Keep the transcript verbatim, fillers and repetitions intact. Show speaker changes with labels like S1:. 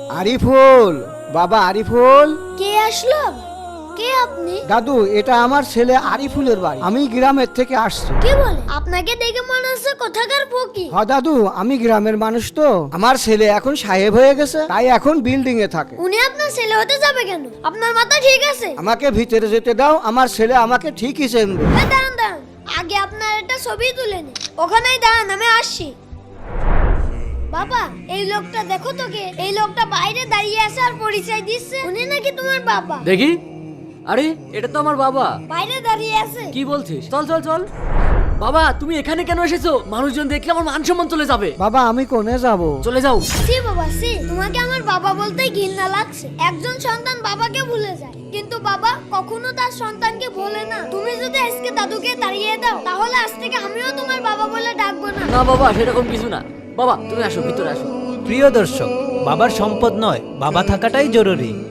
S1: আরিফুল, বাবা আরিফুল।
S2: কে আসলো? কে আপনি?
S1: দাদু, এটা আমার ছেলে আরিফুলের বাড়ি। আমি গ্রামের থেকে আসছি।
S2: কি বলে? আপনাকে দেখে মনে হচ্ছে কোথাকার ফকির।
S1: হ দাদু, আমি গ্রামের মানুষ তো। আমার ছেলে এখন সাহেব হয়ে গেছে, তাই এখন বিল্ডিং এ থাকে।
S2: উনি আপনার ছেলে হতে যাবে কেন? আপনার মাথা ঠিক আছে?
S1: আমাকে ভিতরে যেতে দাও, আমার ছেলে আমাকে ঠিকই চেনবে।
S2: এই দাঁড়ান দাঁড়ান, আগে আপনার একটা ছবি তুলে নিন। ওখানেই দাঁড়ান, আমি আসছি। বাবা, এই লোকটা দেখো তো কে? এই লোকটা বাইরে দাঁড়িয়ে আছে আর পরিচয় দিচ্ছে উনি নাকি তোমার বাবা।
S3: দেখি, আরে এটা তো আমার বাবা।
S2: বাইরে দাঁড়িয়ে আছে।
S3: কি বলছিস? চল চল চল। বাবা, তুমি এখানে কেন এসেছো? মানুষজন দেখলে আমার মান সম্মান চলে যাবে।
S1: বাবা, আমি কোনে যাব?
S3: চলে যাও।
S2: সি বাবা সি, তোমাকে আমার বাবা বলতেই ঘৃণা লাগছে। একজন সন্তান বাবাকে ভুলে যায়, কিন্তু বাবা কখনো তার সন্তানকে ভোলে না। তুমি যদি আজকে দাদুকে তাড়িয়ে দাও, তাহলে আজ থেকে আমিও তোমার বাবা বলে ডাকবো না।
S3: না বাবা, সেরকম কিছু না। বাবা তুমি আসো, ভিতরে আসো।
S4: প্রিয় দর্শক, বাবার সম্পদ নয়, বাবা থাকাটাই জরুরি।